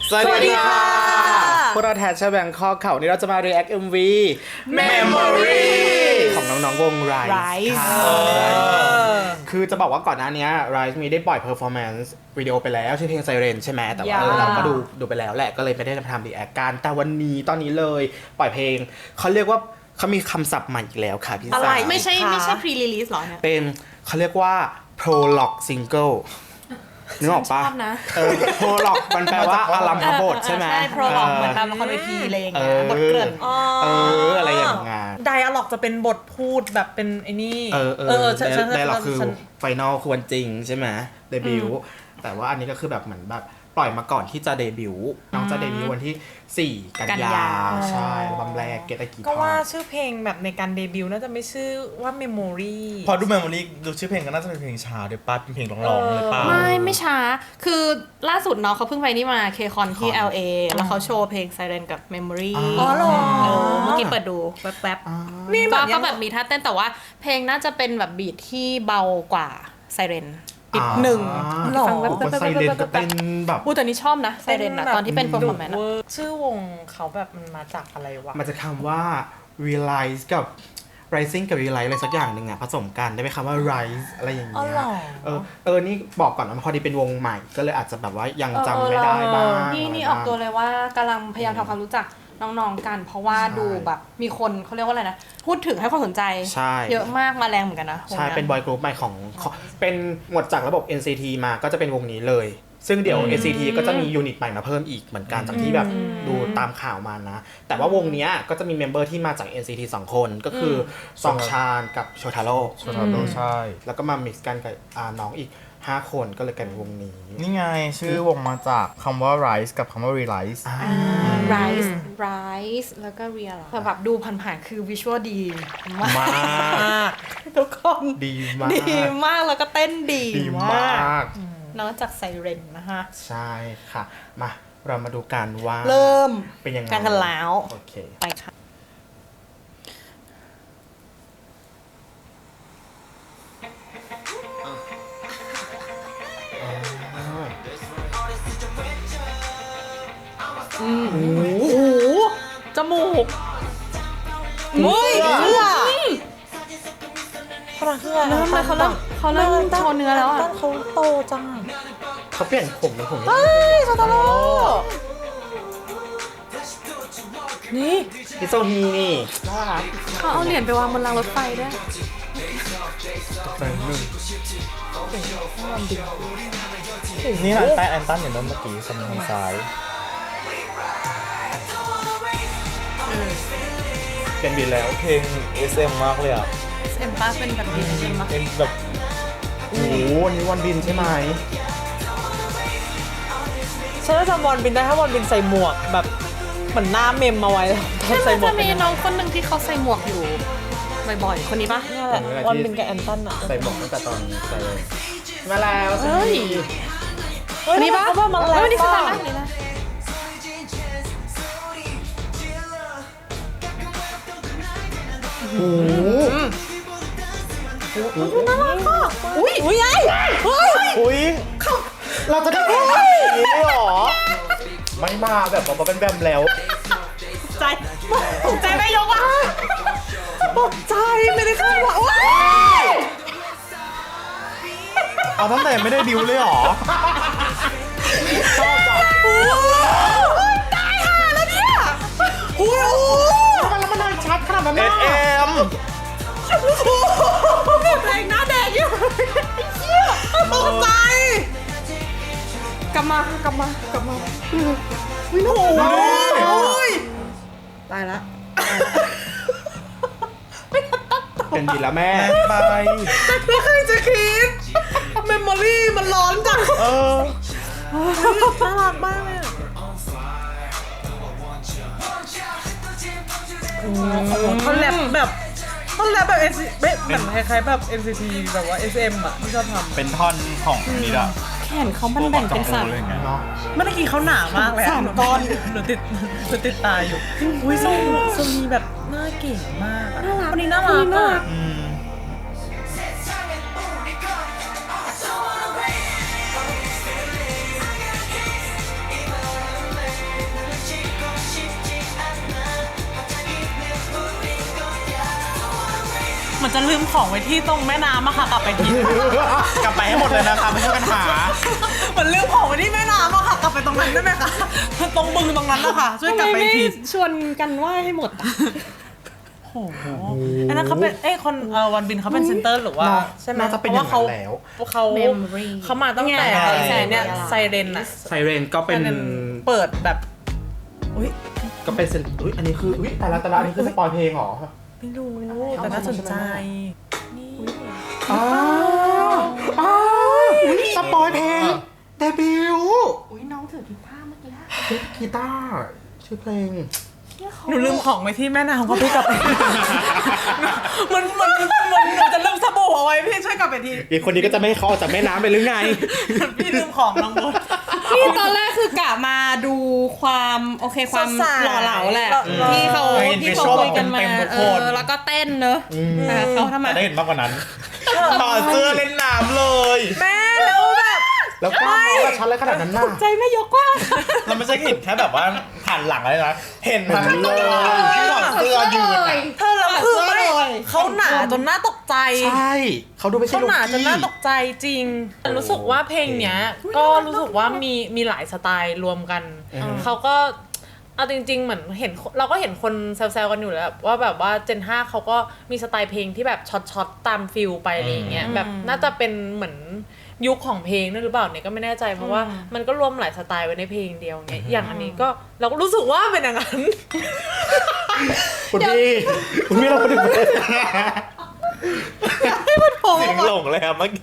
สวัสดีค่ะพวกเราแทชเชอร์แบงคอกเขานี่เราจะมา react MV Memory ของน้องๆวง Rise คือจะบอกว่าก่อนหน้านี้ Rise มีได้ปล่อย performance วิดีโอไปแล้วชื่อเพลง Siren ใช่ไหมแต่ว่าเราก็ดูไปแล้วแหละก็เลยไม่ได้ทำ react กันแต่วันนี้ตอนนี้เลยปล่อยเพลงเขาเรียกว่าเขามีคำศัพท์ใหม่อีกแล้วค่ะพี่สาวไม่ใช่ pre release หรอเนี่ยเป็นเขาเรียกว่า prologue singleนึกออกปะโปรล็อกมันแปลว่าอารัมพบทใช่ไหมใช่โปรล็อกเหมือนตามละครเวทีอะไรอย่างเงี้ยบทเกริ่นอะไรอย่างเงี้ยไดอะล็อกจะเป็นบทพูดแบบเป็นไอ้นี่ไดอะล็อกคือไฟนอลคือวันจริงใช่ไหมเดบิวต์แต่ว่าอันนี้ก็คือแบบเหมือนแบบปล่อยมาก่อนที่จะเดบิวต์น้องจะเดบิวต์วันที่4 กันยาใช่บัมแรกเกตกีก็ว่าชื่อเพลงแบบในการเดบิวต์น่าจะไม่ชื่อว่า Memory พอดู Memory ดูชื่อเพลงก็น่าจะเป็นเพลงช้าด้วยป่ะเป็นเพลงร้องๆเลยป่ะไม่ช้าคือล่าสุดเนาะเขาเพิ่งไปนี่มาเคคอนที่ LA แล้วเขาโชว์เพลง Siren กับ Memory อ๋อเหรอเมื่อกี้เปิดดูแป๊บๆนี่ก็แบบมีท่าเต้นแต่ว่าเพลงน่าจะเป็นแบบบีทที่เบากว่า Sirenอีกหนึ่งฟังแบบไซเรนก็เต้นแบบแต่นี่ชอบนะไซเรนนะตอนที่เป็น performance ชื่อวงเขาแบบมันมาจากอะไรวะมันจะคำว่า realize กับ rising กับ realize อะไรสักอย่างหนึ่งอะผสมกันได้ไหมคำว่า rise อะไรอย่างเงี้ยนี่บอกก่อนนะพอดีเป็นวงใหม่ก็เลยอาจจะแบบว่ายังจำไม่ได้บ้างนี่ออกตัวเลยว่ากำลังพยายามทำความรู้จักน้องๆกันเพราะว่าดูแบบมีคนเขาเรียกว่าอะไรนะพูดถึงให้ความสนใจเยอะมากมาแรงเหมือนกันนะใช่เป็นบอยกรุ๊ปใหม่ของเป็นหมดจากระบบ NCT มาก็จะเป็นวงนี้เลยซึ่งเดี๋ยว NCT ก็จะมียูนิตใหม่มาเพิ่มอีกเหมือนกันจากที่แบบดูตามข่าวมานะแต่ว่าวงนี้ก็จะมีเมมเบอร์ที่มาจาก NCT 2 คนก็คือซองชานกับโชทาโร่ใช่แล้วก็มา mix กันกับน้องอีก5 คนก็เลยกลายเป็นวงนี้นี่ไงชื่อวงมาจากคำว่า rise กับคำว่า realize rise แล้วก็ real แบบดูผ่านๆคือวิชวลดีมากทุกคนดีมากแล้วก็เต้นดีมากนอกจากไซเรนนะคะใช่ค่ะมาเรามาดูกันว่าเริ่มเป็นยังไงกันแล้วโอเคไปค่ะโอ้โหจมูกเสื้อพลังเครื่องเริ่มเลยเขาเริ่มโชว์เนื้อแล้วอ่ะเขาโตจังเขาเปลี่ยนผมเป็นผมโซตาโร่นี่พิโซฮีนี่น่ารักเขาเอาเหรียญไปวางบนรางรถไฟด้วยนี่นะใต้แอนตันอย่างนั้นเมื่อกี้สมองซ้ายเป็นบินแล้วเพลง SM มากเลยอ่ะ SM ป้าเป็นแบบนี้ใช่ไหมเป็นแบบโอ้โหวันนี้วันบินใช่ไหมฉันจะจำวอนบินได้ถ้าวอนบินใส่หมวกแบบเหมือนหน้าเมมมาไว้ใส่หมวกจะมีน้องคนหนึ่งที่เขาใส่หมวกอยู่บ่อยๆคนนี้ปะนี่แหละวอนบินกับแอนตันอะใส่หมวกตั้งแต่ตอนใส่เลยมาแล้วเฮ้ยนี่ปะเขามาแล้วนี่คือตอนนี้นะโอ้โหน่ารักอ่ะอุ้ยเราจะได้เห็นแบบนี้หรอไม่มาแบบว่าเป็นแบบแล้วตกใจไม่ยกอ่ะตกใจไม่ได้คาดว่าเอาตั้งแต่ไม่ได้ดิวเลยหรอชอบจังตายห่าแล้วเนี่ยโอ้โหแล้วมันชัดขนาดนั้นนะ SM แรงหน้าแดงอยู่ตกใจกลับมาวิ่งโอ้ยตายละเป็นดีแล้วแม่ไปไม่เคยจะคิดเมมโมรี่มันร้อนจังน่ารักมากเลยเขาแรปแบบเหมือนคล้ายๆแบบ NCT แบบว่า SM อ่ะที่ชอบทำเป็นท่อนของนี่ละแขนเขามันแบ่งเป็น3 เมื่อกี้เขาหนามากเลย 3 ก้อนหนูติดตาอยู่อุ้ยทรงมีแบบหน้าเก๋มากคนนี้น่ารักมากจะลืมของไว้ที่ตรงแม่น้ำอะค่ะกลับไปทีกลับไปให้หมดเลยนะคะไม่ใช่ปัญหาเหมือนลืมของไว้ที่แม่น้ำอะค่ะกลับไปตรงนั้นได้ไหมคะตรงบึงตรงนั้นนะคะช่วยกลับไปทีชวนกันไหว้ให้หมดอะโอ้โหอันนั้นเขาเป็นคนวันบินเขาเป็นเซนเตอร์หรือว่าใช่ไหมน่าจะเป็นอย่างนั้นแล้วเขามาตั้งแต่เนี่ยไซเรนอะไซเรนก็เป็นเปิดแบบก็เป็นอุ้ยอันนี้คืออุ้ยแต่ละอันนี้คือสปอยเพลงเหรอไม่รู้แต่น่าสนใจอ้สปอยเพลงเดบิวต์อุ้ยน้องถือกีตาร์เมื่อกี้กีตาร์ชื่อเพลงหนูลืมของไว้ที่แม่น้ำเขาพี่กลับไปมันหนูจะลืมสบู่เอาไว้พี่ช่วยกลับไปทีอีกคนนี้ก็จะไม่ให้เขาออกจากแม่น้ำไปหรือไงพี่ลืมของน้องบดนี่ตอนแรกคือกะมาดูความโอเคความสดใสหล่อเหลาแหละที่เขาคุยกันมาแล้วก็เต้นเนอะเขาทำไมได้เห็นมากกว่านั้นต่อเสื้อเล่นน้ำเลยแม่แล้วแบบแล้วกล้ามน้องกับฉันเลยขนาดนั้นน่ะใจไม่ยกกว้างเราไม่ใช่เห็นแค่แบบว่าผ่านหลังอะไรนะเห็นทั้งตัวที่ถอดเสื้อยืนอะเธอแล้วคือไม่เขาหนาจนน่าตกใจใช่เขาดูไม่ใช่เขาลูกหนาจนกี้น่าตกใจจริงรู้สึกว่าเพลงเนี้ยก็รู้สึกว่ามีหลายสไตล์รวมกันเขาก็เอาจริงๆเหมือนเห็นเราก็เห็นคนแซวๆกันอยู่แล้วว่าแบบว่าเจน5เขาก็มีสไตล์เพลงที่แบบช็อตตามฟิลไปอะไรอย่างเงี้ยแบบน่าจะเป็นเหมือนยุคของเพลงนั่นหรือเปล่าเนี่ยก็ไม่แน่ใจเพราะว่ามันก็รวมหลายสไตล์ไว้ในเพลงเดียวเนี่ยอย่างอันนี้ก็เราก็รู้สึกว่าเป็นอย่างนั้นคุณพี่เราพูดถึงเพลงเสียงหลงเลยอะเมื่อกี้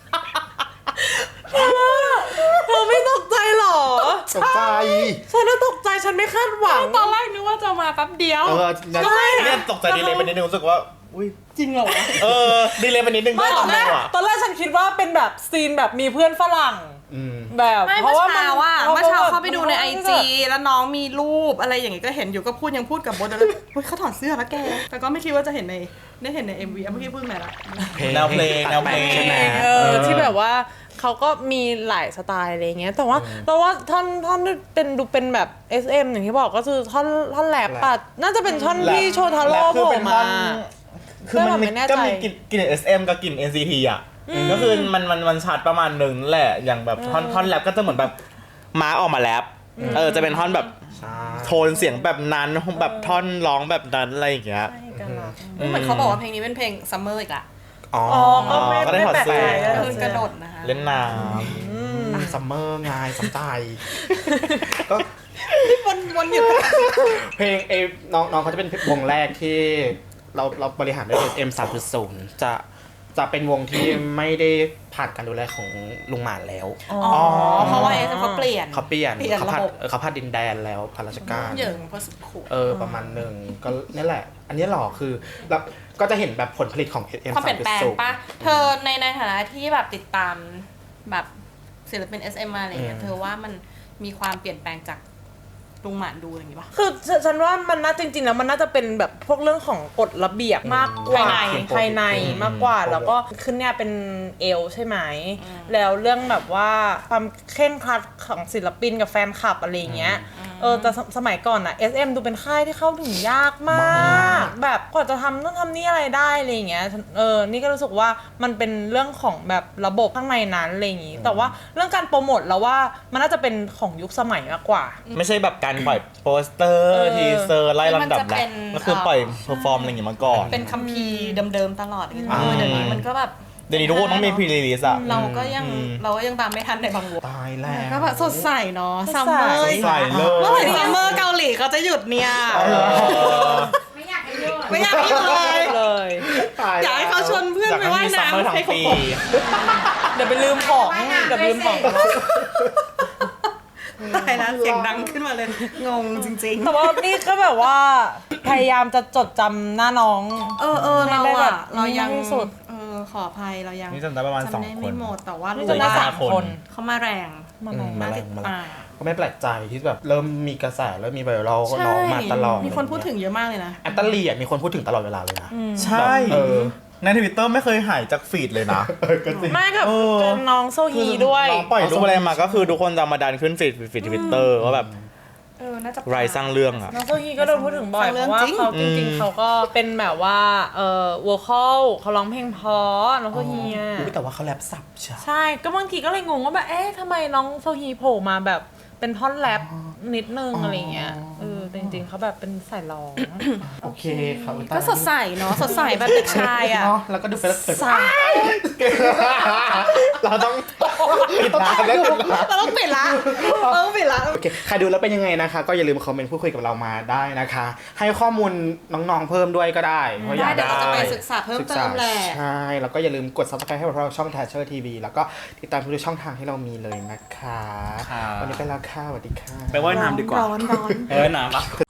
เธอไม่ตกใจหรอตกใจฉันน่ะตกใจฉันไม่คาดหวังตอนแรกนึกว่าจะมาแป๊บเดียวเนี่ยตกใจดีเลยไปนิดนึงรู้สึกว่าอุ้ยจริงเหรอวะดีเลยไปนิดนึงไม่ตอนแรกว่ะตอนแรกฉันคิดว่าเป็นแบบซีนแบบมีเพื่อนฝรั่งแบบไม่เพเมื่ราะอว่าเช้าว่าเมื่อเช้าเข้าไปดูในพ IG แล้วน้องมีรูปอะไรอย่างงี้ก็เห็นอยู่ก็ยังพูดกับบดเลยเฮ้ยเขาถอดเสื้อแล้วแกแต่ก็ไม่คิดว่าจะเห็นใน MV เมื่อกี้พูดไหนละแนวเพลงใช่ไหมที่แบบว่าเขาก็มีหลายสไตล์อะไรเงี้ยแต่ว่าท่อนดูเป็นแบบ SM อย่างที่บอกก็คือท่อนแรปปัดน่าจะเป็นท่อนที่โชทาโร่โผล่มาคือมันก็มีกลิ่น SM กับกลิ่น NCT อ่ะก็คือมันชัดประมาณหนึ่งแหละอย่างแบบท่อนแรปก็จะเหมือนแบบม้าออกมาแรปจะเป็นท่อนแบบโทนเสียงแบบนั้นแบบท่อนร้องแบบนั้นอะไรอย่างเงี้ยเหมือนเขาบอกว่าเพลงนี้เป็นเพลงซัมเมอร์อีกละอ๋อก็ได้ถอดเสื้อก็คือกระโดดนะคะเล่นน้ซัมเมอร์ไงสำใจก็วนอยู่เพลงน้องเขาจะเป็นวงแรกที่เราบริหารด้วย SM 3.0 จะเป็นวงที่ไม่ได้ผ่านการดูแลของลุงหมานแล้วเพราะว่าเขาเปลี่ยนเขาเปลี่ยนระบบเขาพัดดินแดนแล้วพันราชการเหยิงพอสุดขูประมาณหนึ่งก็นี่แหละ อันนี้หรอคือแล้วก็จะเห็นแบบผลผลิตของ SM ความเปลี่ยนแปลง 3.0 ปะเธอในฐานะที่แบบติดตามแบบศิลปิน SM มาอะไรเงี้ยเธอว่ามันมีความเปลี่ยนแปลงจากลุงหมานดูอะไรอย่างงี้ปะคือฉันว่ามันน่าจริงๆแล้วมันน่าจะเป็นแบบพวกเรื่องของกฎระเบียบมากกว่าภายในมากกว่าแล้วก็ขึ้นเนี่ยเป็นเอลใช่ไหมแล้วเรื่องแบบว่าความเคร่งครัดของศิลปินกับแฟนคลับอะไรเงี้ยแต่สมัยก่อนอะ SM ดูเป็นค่ายที่เข้าถึงยากมากแบบกว่าจะทำนู่นทำนี่อะไรได้อะไรเงี้ยนี่ก็รู้สึกว่ามันเป็นเรื่องของแบบระบบข้างในนั้นอะไรอย่างงี้แต่ว่าเรื่องการโปรโมทแล้วว่ามันน่าจะเป็นของยุคสมัยมากกว่าำไม่ใช่แบบการปล่อยโปสเตอร์ทีเซอร์ไล่ลำดับนะก็คือปล่อยเพอร์ฟอร์มอะไรอย่างงี้มาก่อนเป็นคัมภีร์เดิมๆตลอดอย่างเงี้ยเดี๋ยวนี้มันก็แบบเดี๋ยวนี้ทุกคนต้องมีพรีรีลิสอะเราก็ยังตามไม่ทันในบางวงตายแล้วก็แบบสดใสเนาะซัมเมอร์ใส่เลยเมื่อไหร่ซัมเมอร์เกาหลีเขาจะหยุดเนี่ยไม่อยากให้หยุดไม่อยากหยุดเลยเลยอยากให้เขาชวนเพื่อนอยากไปให้ว่ายมีซัมเมอร์น้ำทั้งให้เขาปีเดี๋ยวไปลืมของเดี๋ยวไปลืมของตายแล้วเสียงดังขึ้นมาเลยงงจริงๆแต่ว่านี่ก็แบบว่าพยายามจะจดจำหน้าน้องเราได้แบอะบเรายังที่สุดขออภัยเรายังนี่จำได้ประมาณจำได้ 2 คไม่นหมดแต่ว่านี่รู้จะได้ว่า 3 คนเขามาแรงมาไหนมาน่าแรติงดมาแรตาง มก็ไม่แปลกใจที่แบบเริ่มมีกระแสเริ่มมีไวรัลก็น้องมาตลอดมีคนพูดถึงเยอะมากเลยนะแอนตาลีมีคนพูดถึงตลอดเวลาเลยนะใช่ ในทวิตเตอร์ไม่เคยหายจากฟีดเลยนะก็จริงไม่กับน้องโซฮีด้วยน้องปล่อยรูปอะไรมาก็คือทุกคนจะมาดันขึ้นฟีดทวิตเตอร์ว่าแบบน่าจะไรสร้างเรื่องอะน้องโซฮีก็โดนพูดถึงบ่อยฟังเพเรื่องราะว่าจริงเขาจริงๆเขาก็เป็นแบบว่าวอลคอลเขาร้องเพลงเพราะน้องโซฮีอะอุ๊ยแต่ว่าเขาแรปสับใช่ใช่ก็บางทีก็เลยงงว่าแบบทำไมน้องโซฮีโผล่มาแบบเป็นท่อนแรปนิดนึงอะไรเงี้ยแต่จริงๆเขาแบบเป็นสายร้องโอเคครับก็สดใสเนาะสดใสแบบเด็กชายอ่ะเนาะแล้วก็ดูเฟรชใสเราต้องปิดร้านแล้วเราต้องปิดละโอเคใครดูแล้วเป็นยังไงนะคะ ก็อย่าลืมคอมเมนต์พูดคุยกับเรามาได้นะคะ ให้ข้อมูลน้องๆเพิ่มด้วยก็ได้เพราะอยากเดี๋ยวได้เราจะไปศึกษาเพิ่มเติมแหละใช่แล้วก็อย่าลืมกด subscribe ให้พวกเราช่อง Thatcher TV แล้วก็ติดตามทุกช่องทางที่เรามีเลยนะคะครับวันนี้ไปแล้วค่ะสวัสดีค่ะไปว่ายน้ำดีกว่าร้อนน้ำ